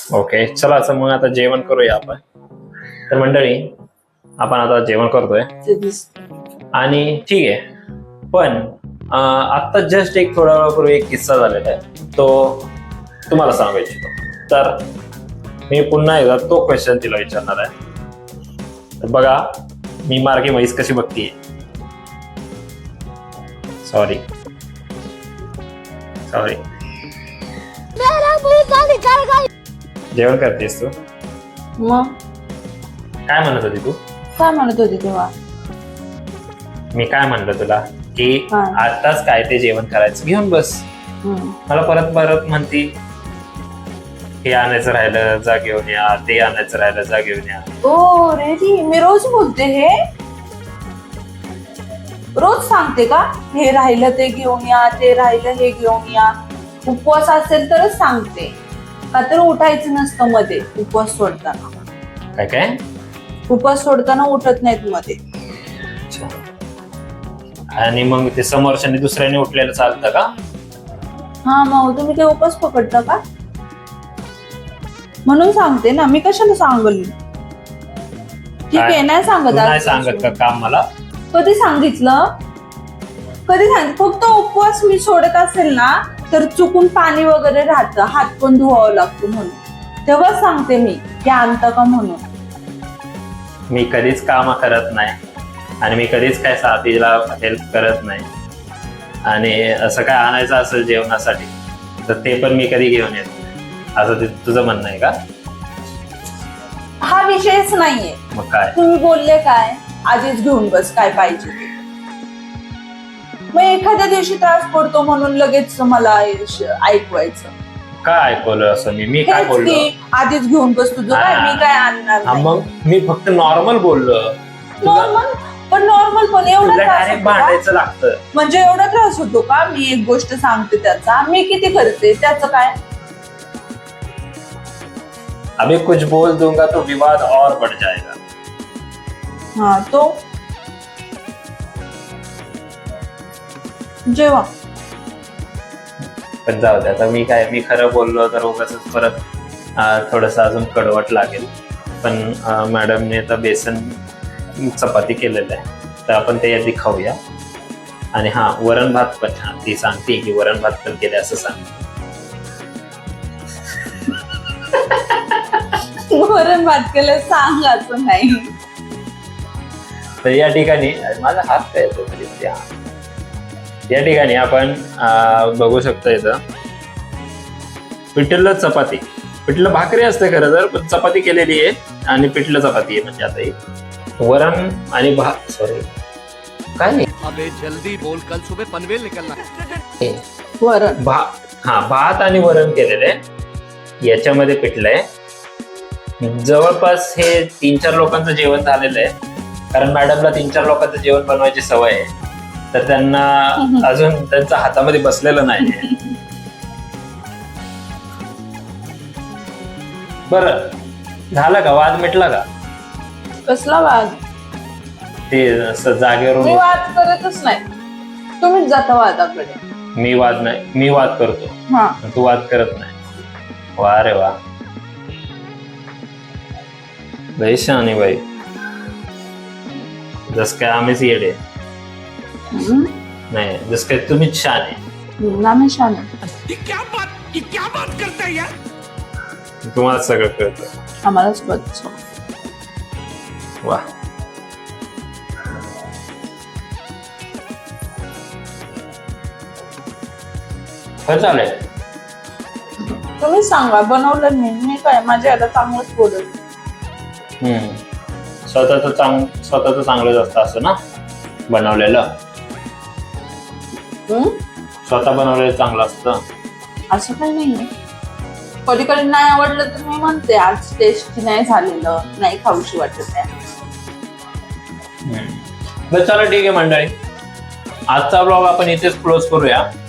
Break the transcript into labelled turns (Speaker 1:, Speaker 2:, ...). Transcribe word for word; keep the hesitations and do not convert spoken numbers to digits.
Speaker 1: Okay चला असं मग आता जेवण करूया आपण. तर मंडळी आपण आता जेवण करतोय आणि ठीक आहे, पण आता जस्ट एक थोड्या वेळापूर्वी एक किस्सा झालेला आहे तो तुम्हाला सांगू इच्छितो. तर मी पुन्हा एकदा तो क्वेश्चन तिला विचारणार आहे. तर बघा मी मार्गे म्हैस कशी बघतीये. सॉरी सॉरी जेवण करतेस तू?
Speaker 2: मग
Speaker 1: काय म्हणत होती तू?
Speaker 2: काय म्हणत होती तेव्हा?
Speaker 1: मी काय म्हणलं तुला की
Speaker 2: काय?
Speaker 1: आताच काय ते जेवण करायचं घेऊन बस.
Speaker 2: हम्म.
Speaker 1: मला परत परत म्हणती हे आणायचं राहिलं जा घेऊन या, ते आणायचं राहिलं जा घेऊन या.
Speaker 2: ओ रेडी, मी रोज बोलते हे, रोज सांगते का हे राहिलं ते घेऊन या, ते राहिलं हे घेऊन या. उपवास असेल तरच सांगते, का तर उठायचं नसतं मध्ये उपवास सोडताना.
Speaker 1: काय काय
Speaker 2: उपवास सोडताना उठत नाहीत मध्ये.
Speaker 1: आणि मग ते समोरच्याने दुसऱ्याने उठलेलं चालतं का?
Speaker 2: हा मग तुम्ही ते उपवास पकडता का? म्हणून सांगते ना, मी कशाला सांगल. ठीक आहे, नाही
Speaker 1: तू
Speaker 2: सांगत
Speaker 1: नाही
Speaker 2: आज.
Speaker 1: सांगत का काम मला?
Speaker 2: कधी सांगितलं? कधी सांगितलं? फक्त उपवास मी सोडत असेल ना तर चुकून पाणी वगैरे राहतं, हात पण धुवावं लागतो म्हणून, तेव्हा सांगते मी की आणतं का म्हणून.
Speaker 1: मी कधीच काम करत नाही आणि मी कधीच काय साथीला हेल्प करत नाही. आणि असं काय आणायचं असेल जेवणासाठी तर ते पण मी कधी घेऊन येत नाही, असं ते तुझं म्हणणं आहे का?
Speaker 2: हा विषयच नाहीये.
Speaker 1: मग काय?
Speaker 2: तुम्ही बोलले काय, आधीच घेऊन बस काय पाहिजे ते. मग एखाद्या दिवशी त्रास पडतो म्हणून लगेच मला ऐकवायचं.
Speaker 1: काय ऐकवलं असं मी मी काय
Speaker 2: हेच
Speaker 1: बोललो?
Speaker 2: की आधीच घेऊन बस तुझं काय, मी काय आणणार
Speaker 1: हा,
Speaker 2: नाही.
Speaker 1: मग मी फक्त नॉर्मल बोललो.
Speaker 2: नॉर्मल पण नॉर्मल पण एवढा त्रास
Speaker 1: डायरेक्ट
Speaker 2: होतो का?
Speaker 1: भांडायचं लागतं.
Speaker 2: म्हणजे एवढा त्रास होतो का? मी एक गोष्ट सांगते त्याचा, मी किती करते त्याचं काय.
Speaker 1: अभी कुछ बोल दूंगा तो विवाद और बढ़ जाएगा.
Speaker 2: हा तो जेव्हा
Speaker 1: पण जाऊ दे आता, मी काय मी खरं बोललो तर उगाच परत थोडस अजून कडवट लागेल. पण अं, मॅडमने आता बेसन चपाती केलेलं आहे तर आपण ते आधी खाऊया. आणि हा वरण भात पण, हा ती सांगते की वरण भात पण केले असं सांग.
Speaker 2: वरण भात केलं सांग असं नाही.
Speaker 1: तर या ठिकाणी माझा हात काय येतो तरी त्या या ठिकाणी आपण अं, बघू शकतो इथं पिठलं चपाती, पिठलं भाकरी असते खरं तर, पण चपाती केलेली आहे आणि पिठलं चपाती आहे. म्हणजे आता एक वरण आणि भात, सॉरी काय नाही
Speaker 3: अबे जल्दी बोल, कल सुबह पनवेल निकलना है.
Speaker 2: वरण
Speaker 1: भा हा भात आणि वरण केलेलं आहे. याच्यामध्ये पिठलं आहे. जवळपास हे तीन चार लोकांचं जेवण झालेलं आहे, कारण मॅडमला तीन चार लोकांचं जेवण बनवायची सवय आहे. तर त्यांना अजून त्यांच्या हातामध्ये बसलेलं नाही. बरं झालं का? वाद मिटला का?
Speaker 2: कसला वाद?
Speaker 1: ते असं
Speaker 2: मी
Speaker 1: जागेवरून
Speaker 2: वाद करतच नाही, तुम्हीच जाता वादाकडे.
Speaker 1: मी वाद नाही, मी वाद करतो,
Speaker 2: हा
Speaker 1: तू वाद करत नाही. वा रे वा, बाई शहाणी बाई. जस काय आम्हीच येडे
Speaker 2: हम्म.
Speaker 1: नाही, जस काय तुम्हीच छान आहे.
Speaker 2: आम्ही छान आहे.
Speaker 3: ये क्या बात, ये क्या बात करता है यार.
Speaker 1: तुम्हाला सगळं कळतं.
Speaker 2: आम्हालाच बघतो.
Speaker 1: वा काय चालेल.
Speaker 2: तुम्ही सांगा, बनवलं मी मी काय माझ्या आता चांगलंच बोलत.
Speaker 1: हम्म स्वतःच चांग स्वतःच चांगलंच असतं असं ना, बनवलेलं स्वतः बनवलेलं चांगलं असतं
Speaker 2: असं काही नाहीये. कधी कधी नाही आवडलं तर मी म्हणते आज टेस्टी नाही झालेलं, नाही खाऊशी वाटत आहे.
Speaker 1: बरं चला ठीक आहे मंडळी, आजचा ब्लॉग आपण इथेच क्लोज करूया.